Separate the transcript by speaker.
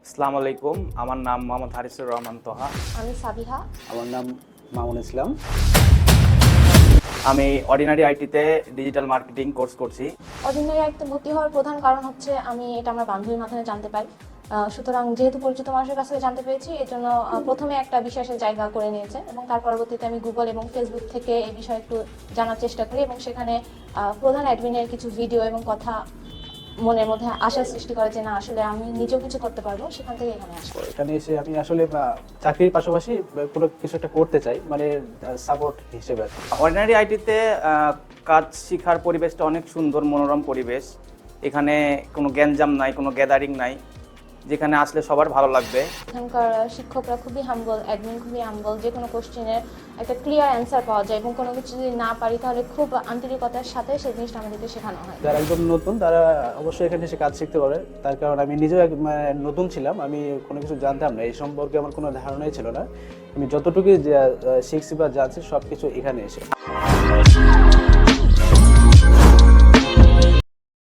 Speaker 1: আসসালামু আলাইকুম, আমার নাম মোহাম্মদ হারিসুর রহমান তোহা।
Speaker 2: আমি সাবিহা।
Speaker 3: আমার নাম মামুন ইসলাম।
Speaker 1: আমি অর্ডিনারি আইটিতে ডিজিটাল মার্কেটিং কোর্স করছি।
Speaker 2: অর্ডিনারি আইটিতে ভর্তি হওয়ার প্রধান কারণ হচ্ছে আমি এটা আমার বান্ধবীর মাধ্যমে জানতে পাই। সুতরাং যেহেতু পরিচিত মানুষের কাছ থেকে জানতে পেরেছি, এই জন্য প্রথমে একটা বিশ্বাসের জায়গা করে নিয়েছে এবং তার পরবর্তীতে আমি গুগল এবং ফেসবুক থেকে এই বিষয়ে একটু জানার চেষ্টা করি এবং সেখানে প্রধান অ্যাডমিনের কিছু ভিডিও এবং কথা মনের মধ্যে আশার সৃষ্টি করে যে না, আসলে আমি নিজেও কিছু করতে পারবো। সেখান থেকে এখানে আসবো।
Speaker 3: এখানে এসে আমি আসলে চাকরির পাশাপাশি কোনো কিছু একটা করতে চাই, মানে সাপোর্ট হিসেবে।
Speaker 1: অর্ডিনারি আইটিতে কাজ শেখার পরিবেশটা অনেক সুন্দর, মনোরম পরিবেশ। এখানে কোনো গ্যাঞ্জাম নাই, কোনো গ্যাদারিং নাই, যেখানে আসলে সবার ভালো লাগবে।
Speaker 2: এখানকার শিক্ষকরা খুবই হাম্বল, অ্যাডমিন খুবই হাম্বল। যে কোনো কোশ্চেনের একটা ক্লিয়ার অ্যান্সার পাওয়া যায় এবং কোনো কিছু যদি না পারি তাহলে খুব আন্তরিকতার সাথে সেই জিনিসটা আমাদেরকে শেখানো হয়।
Speaker 3: যারা একদম নতুন তারা অবশ্যই এখানে এসে কাজ শিখতে পারে, তার কারণ আমি নিজেও নতুন ছিলাম, আমি কোনো কিছু জানতাম না, এই সম্পর্কে আমার কোনো ধারণাই ছিল না। আমি যতটুকু শিখছি বা জানছি সব কিছু এখানে এসে।